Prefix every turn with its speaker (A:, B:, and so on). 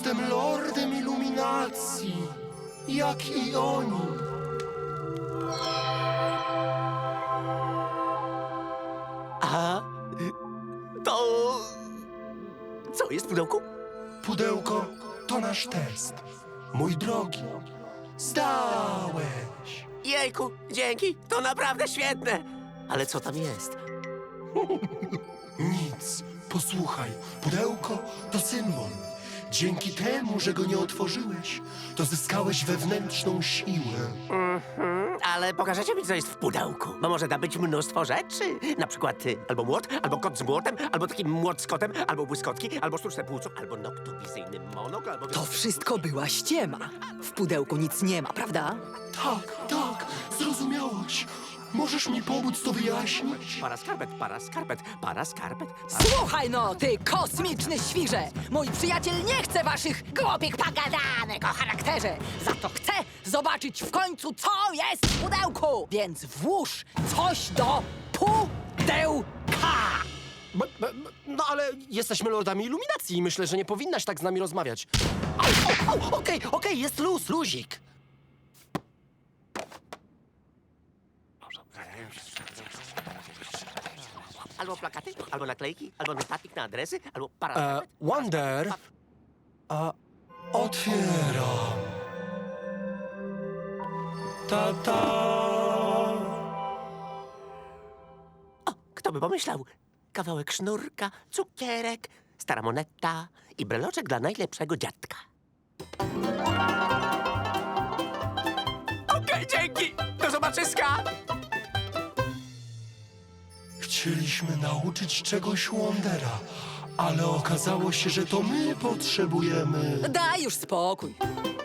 A: Jestem lordem iluminacji, jak i oni.
B: A to... Co jest w pudełku?
A: Pudełko to nasz test. Mój drogi, zdałeś.
B: Jejku, dzięki, to naprawdę świetne. Ale co tam jest?
A: Nic. Posłuchaj, pudełko to symbol. Dzięki temu, że go nie otworzyłeś, to zyskałeś wewnętrzną siłę.
B: Ale pokażecie mi, co jest w pudełku. Bo może da być mnóstwo rzeczy. Na przykład albo młot, albo kot z młotem, albo taki młot z kotem, albo błyskotki, albo sztuczne płuco, albo noktowizyjny monok, albo...
C: To wszystko była ściema. W pudełku nic nie ma, prawda?
A: Tak, zrozumiałeś. Możesz mi pomóc to wyjaśnić?
B: Para skarpet, para skarpet, para skarpet.
C: Słuchaj no, ty kosmiczny świrze! Mój przyjaciel nie chce waszych głupich pogadanek o charakterze. Za to chce zobaczyć w końcu, co jest w pudełku. Więc włóż coś do pudełka.
D: No ale jesteśmy lordami iluminacji i myślę, że nie powinnaś tak z nami rozmawiać. Okej, jest luzik.
B: Albo plakaty, albo naklejki, albo notatnik na adresy, albo para skarpet.
D: Wonder.
A: Otwieram. Ta.
B: O, kto by pomyślał? Kawałek sznurka, cukierek, stara moneta i breloczek dla najlepszego dziadka. Okej, dzięki! Do zobaczyska!
A: Chcieliśmy nauczyć czegoś Wondera, ale okazało się, że to my potrzebujemy.
C: Daj już spokój.